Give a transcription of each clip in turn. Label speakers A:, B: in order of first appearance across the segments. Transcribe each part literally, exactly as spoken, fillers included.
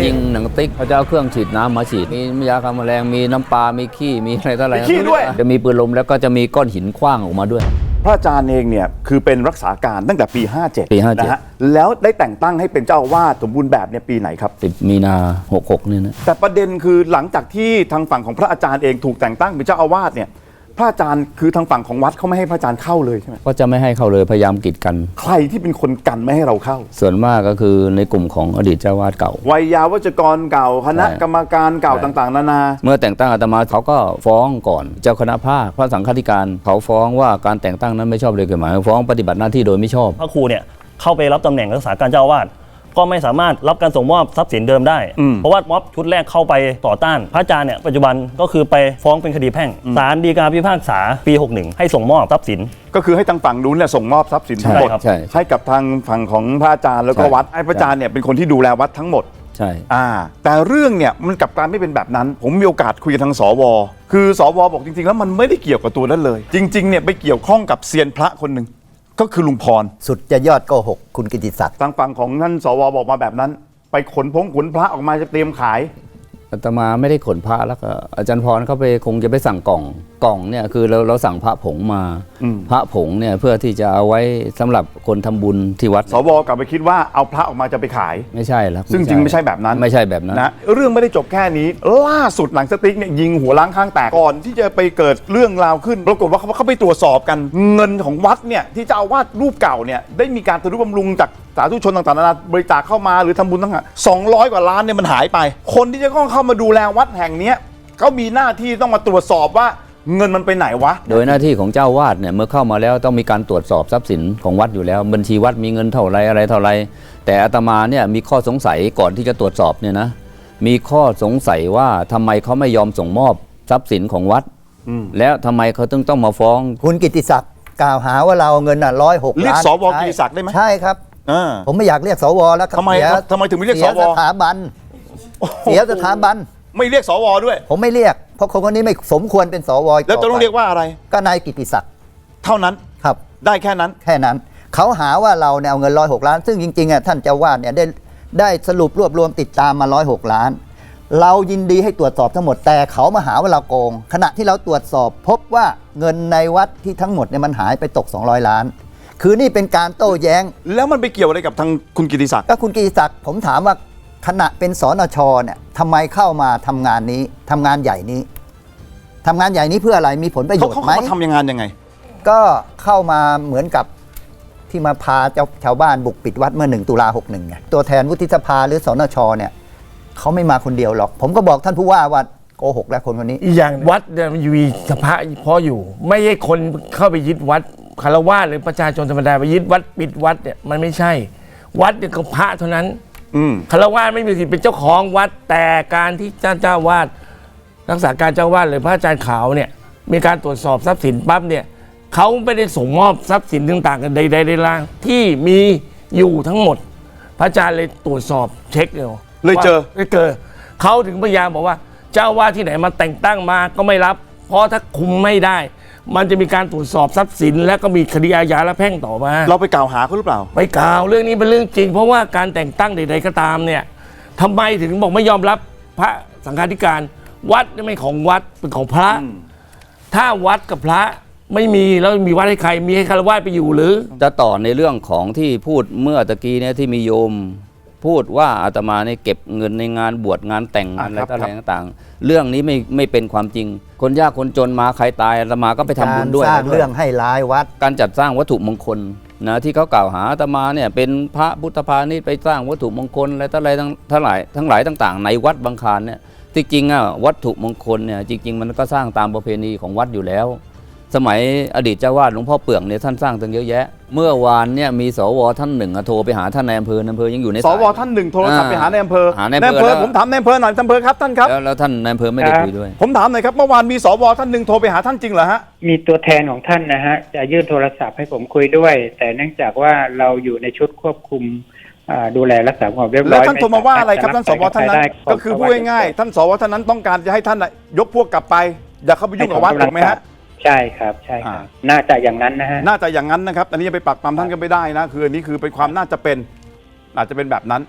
A: ยิงหนังติ๊กเขาจะเอาเครื่องฉีดน้ำมาฉีดมียาฆ่าแมลงมีน้ำปลามีขี้มีอะไรต่ออะไร
B: ขี้ด้วย
A: จะมีปืนลมแล้วก็จะมีก้อนหินขว้างออกมาด้วย
B: พระอาจารย์เองเนี่ยคือเป็นรักษาการตั้งแต่ปีห้าเจ็ด
A: ปีห้าเจ็ด
B: นะฮะแล้วได้แต่งตั้งให้เป็นเจ้าอาวาสสมบูรณ์แบบเนี่ยปีไหนครับ
A: สิบมีนาหกหกนี่นะ
B: แต่ประเด็นคือหลังจากที่ทางฝั่งของพระอาจารย์เองถูกแต่งตั้งเป็นเจ้าอาวาสเนี่ยพระอาจารย์คือทางฝั่งของวัดเขาไม่ให้พระอาจารย์เข้าเลยใช่ไหม
A: ก็จะไม่ให้เข้าเลยพยายามกีดกัน
B: ใครที่เป็นคนกันไม่ให้เราเข้า
A: ส่วนมากก็คือในกลุ่มของอดีตเจ้าวาดเก่า
B: วัยยาวัจกรเก่าคณะกรรมการเก่าต่างๆนานา
A: เมื่อแต่งตั้งอาตมาเขาก็ฟ้องก่อนเจ้าคณะภาคพระสังฆาธิการเขาฟ้องว่าการแต่งตั้งนั้นไม่ชอบเลยกฎหมายฟ้องปฏิบัติหน้าที่โดยไม่ชอบ
C: พระครูเนี่ยเข้าไปรับตำแหน่งรักษาการเจ้าอาวาสก็ไม่สามารถรับการส่งมอบทรัพย์สินเดิมได้เพราะว่าม็อบชุดแรกเข้าไปต่อต้านพระอาจารย์เนี่ยปัจจุบันก็คือไปฟ้องเป็นคดีแพ่งศาลฎีกาพิพากษาปีหกสิบเอ็ดให้ส่งมอบทรัพย์สิน
B: ก็คือให้ทางฝั่งนู้นเนี่ยส่งมอบทรัพย์สินทั้งหมดให้กับทางฝั่งของพระอาจารย์แล้วก็วัดให้พระอาจารย์เนี่ยเป็นคนที่ดูแลวัดทั้งหมด
A: ใช่
B: อ่าแต่เรื่องเนี่ยมันกลับการไม่เป็นแบบนั้นผมมีโอกาสคุยกับทางสวคือสวบอกจริงๆแล้วมันไม่ได้เกี่ยวกับตัวนั้นเลยจริงๆเนี่ยไปเกี่ยวข้องกับเซียนพระคนหนึ่งก็คือลุงพร
D: สุดจะยอดโกหกคุณกิติศักดิ์
B: ทางฝั่งของท่านสวบอกมาแบบนั้นไปขนพงขนพระออกมาจะเตรียมขาย
A: อาตมาไม่ได้ขนพระแล้วก็อาจารย์พรเขาไปคงจะไปสั่งกล่องกล่องเนี่ยคือเราเราสั่งพระผงมาพระผงเนี่ยเพื่อที่จะเอาไว้สำหรับคนทำบุญที่วัด
B: สวกลับไปคิดว่าเอาพระออกมาจะไปขาย
A: ไม่ใช่แล้ว
B: ซึ่งจริงไม่ใช่แบบนั้น
A: ไม่ใช่แบบนั้น
B: นะเรื่องไม่ได้จบแค่นี้ล่าสุดหนังสติ๊กเนี่ยยิงหัวล้างข้างแตกก่อนที่จะไปเกิดเรื่องราวขึ้นปรากฏว่าเขาเขาไปตรวจสอบกันเงินของวัดเนี่ยที่เจ้าอาวาสรูปเก่าเนี่ยได้มีการทนุบำรุงจากสาธุชนต่างๆนานาบริจาคเข้ามาหรือทำบุญทั้งหมดสองร้อยกว่าล้านเนี่ยมันหายไปคนที่จะต้องเข้ามาดูแลวัดแห่งนี้เขามีหน้าที่ต้องมาตรวจสอบว่าเงินมันไปไหนวะ
A: โดยหน้าที่ของเจ้าวาดเนี่ยเมื่อเข้ามาแล้วต้องมีการตรวจสอบทรัพย์สินของวัดอยู่แล้วบัญชีวัดมีเงินเท่าไรอะไรเท่าไรแต่อาตมาเนี่ยมีข้อสงสัยก่อนที่จะตรวจสอบเนี่ยนะมีข้อสงสัยว่าทำไมเขาไม่ยอมส่งมอบทรัพย์สินของวัดแล้วทำไมเขาต้องต้องมาฟ้อง
D: คุณกิติศักดิ์กล่าวหาว่าเราเงินอ่ะร้อยหกล้าน
B: เรียกสวกิติศักดิ์ได้ไหม
D: ใช่ครับผมไม่อยากเรียกสวแล้วครับ
B: ทำไมทำไมถึงไม่เรียกสว
D: เสียสถาบันเสียสถาบัน
B: ไม่เรียกสวด้วย
D: ผมไม่เรียกเพราะคนคนนี้ไม่สมควรเป็นสว
B: แล้วจะต้องเรียกว่าอะไร
D: ก็นายกิติศักดิ์
B: เท่านั้น
D: ครับ
B: ได้แค่นั้น
D: แค่นั้นเขาหาว่าเราเนี่ยเอาเงินร้อยหกล้านซึ่งจริงๆอ่ะท่านเจ้าวาดเนี่ยได้ได้สรุปรวบรวมติดตามมาร้อยหกล้านเรายินดีให้ตรวจสอบทั้งหมดแต่เขามาหาว่าเราโกงขณะที่เราตรวจสอบพบว่าเงินในวัดที่ทั้งหมดเนี่ยมันหายไปตกสองร้อยล้านคือนี่เป็นการโต้แย้ง
B: แล้วมันไปเกี่ยวอะไรกับทางคุณกิติศักดิ์
D: ก็คุณกิติศักดิ์ผมถามว่าขณะเป็นสนชเนี่ยทำไมเข้ามาทำงานนี้ทำงานใหญ่นี้ทำงานใหญ่นี้เพื่ออะไรมีผลประโยชน์ไหม
B: เขาทำยังงานยังไง
D: ก็เข้ามาเหมือนกับที่มาพาเจ้าชาวบ้านบุกปิดวัดเมื่อหนึ่งตุลาหกหนึ่งไงตัวแทนวุฒิสภาหรือสนชเนี่ยเขาไม่มาคนเดียวหรอกผมก็บอกท่านผู้ว่าว่าโกหกแล้วคนคนนี้
E: อีกอย่างวัดเนี่ยมันมีสภาพออยู่ไม่ใช่คนเข้าไปยึดวัดคารวะหรือประชาชนธรรมดาไปยึดวัดปิดวัดเนี่ยมันไม่ใช่วัดเนี่ยก็พระเท่านั้นคารวะไม่มีสิทธิ์เป็นเจ้าของวัดแต่การที่เจ้าเจ้าวาดรักษาการเจ้าวาดหรือพระอาจารย์ขาวเนี่ยมีการตรวจสอบทรัพย์สินปั๊บเนี่ยเขาไม่ได้ส่งมอบทรัพย์สินต่างๆกันใดๆใดล่างที่มีอยู่ทั้งหมดพระอาจารย์เลยตรวจสอบเช็คเลย
B: เลยเจอ
E: เลยเจอเขาถึงพยายามบอกว่าเจ้าวาดที่ไหนมาแต่งตั้งมาก็ไม่รับเพราะถ้าคุมไม่ได้มันจะมีการตรวจสอบทรัพย์สินและก็มีคดีอาญาและแพ่งต่อมา
B: เราไปกล่าวหาเขาหรือเปล่า
E: ไปกล่าวเรื่องนี้เป็นเรื่องจริงเพราะว่าการแต่งตั้งใดๆก็ตามเนี่ยทำไมถึงบอกไม่ยอมรับพระสังฆาธิการวัดไม่ของวัดเป็นของพระถ้าวัดกับพระไม่มีแล้วมีวัดให้ใครมีให้คารวะไปอยู่หรือ
A: จะต่อในเรื่องของที่พูดเมื่อตะกี้เนี่ยที่มีโยมพูดว่าอาตมาเนี่ยเก็บเงินในงานบวชงานแต่งงานอะไรต่างๆเรื่องนี้ไม่ไม่เป็นความจริงคนยากคนจนมาใครตายอาตมาก็ไปทำบุญด้วย
D: สร้างเรื่องให้ร้ายวัด
A: การจัดสร้างวัตถุมงคลนะที่เขากล่าวหาอาตมาเนี่ยเป็นพระพุทธพาณิชย์ไปสร้างวัตถุมงคลอะไรทั้งหลายทั้งหลายทั้งหลายต่างๆในวัดบางคลานเนี่ยที่จริงอ่ะวัตถุมงคลเนี่ยจริงๆมันก็สร้างตามประเพณีของวัดอยู่แล้วสมัยอดีตเจ้าวาดหลวงพ่อเปื่องเนี่ยท่านสร้างตั้งเยอะแยะเมื่อวานเนี่ยมีสวท่านหนึ่งโทรไปหาท่านนายอำเภอนายอำเภอยังอยู่ใน
B: สวท่านหนึ่งโทรศัพท์ไปหานายอำเภอ
A: หานายอำเภอ
B: ผมถามนายอำเภอหน่อยนายอำเภอครับท่านครับ
A: แล้วท่านนายอำเภอไม่ได้คุยด้วย
B: ผมถามหน่อยครับเมื่อวานมีสวท่านหนึ่งโทรไปหาท่านจริงเหรอฮะ
F: มีตัวแทนของท่านนะฮะจะยื่นโทรศัพท์ให้ผมคุยด้วยแต่เนื่องจากว่าเราอยู่ในชุดควบคุมดูแลรักษาความเรียบร้อย
B: แล้วท่านโทรมาว่าอะไรครับท่านสวท่านนั้นก็คือพูดง่ายๆท่านสวท่านนั้นต้องการจะให้ท่านยกพวกกลับไปอย่าเข้าไปยุ่งกับวัดถูกไหมฮะ
F: ใช่ครับใช่ครับน่าจะอย่างนั้นนะฮะ
B: น่าจะอย่างนั้นนะครับอันนี้จะไปปักปั๊มท่านก็ไม่ได้นะคืออันนี้คือเป็นความน่าจะเป็นอาจจะเป็นแบบนั้น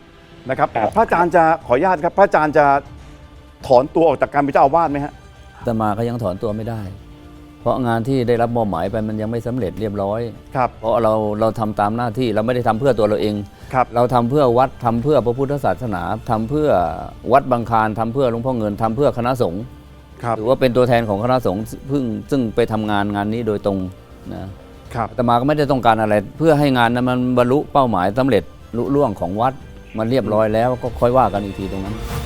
B: นะครับ
F: ครับ
B: พระอาจารย์จะขออนุญาตครับพระอาจารย์จะถอนตัวออกจากการเป็นเจ้าอาวาสไหมฮะ
A: อาตมาก็ยังถอนตัวไม่ได้ เพราะงานที่ได้รับมอบหมายไปมันยังไม่สำเร็จเรียบร้อย
B: ครับ
A: เพราะเราเราทำตามหน้าที่เราไม่ได้ทำเพื่อตัวเราเอง
B: ครับ
A: เราทำเพื่อวัดทำเพื่อพระพุทธศาสนาทำเพื่อวัดบางคลานทำเพื่อหลวงพ่อเงินทำเพื่อคณะสงฆ์
B: ครับ
A: ถือว่าเป็นตัวแทนของคณะสงฆ์ซึ่งซึ่งไปทำงานงานนี้โดยตรงนะครับ อาตมาก็ไม่ได้ต้องการอะไร เพื่อให้งานนั้นมันบรรลุเป้าหมายสำเร็จลุล่วงของวัดมันเรียบร้อยแล้วก็ค่อยว่ากันอีกทีตรงนั้น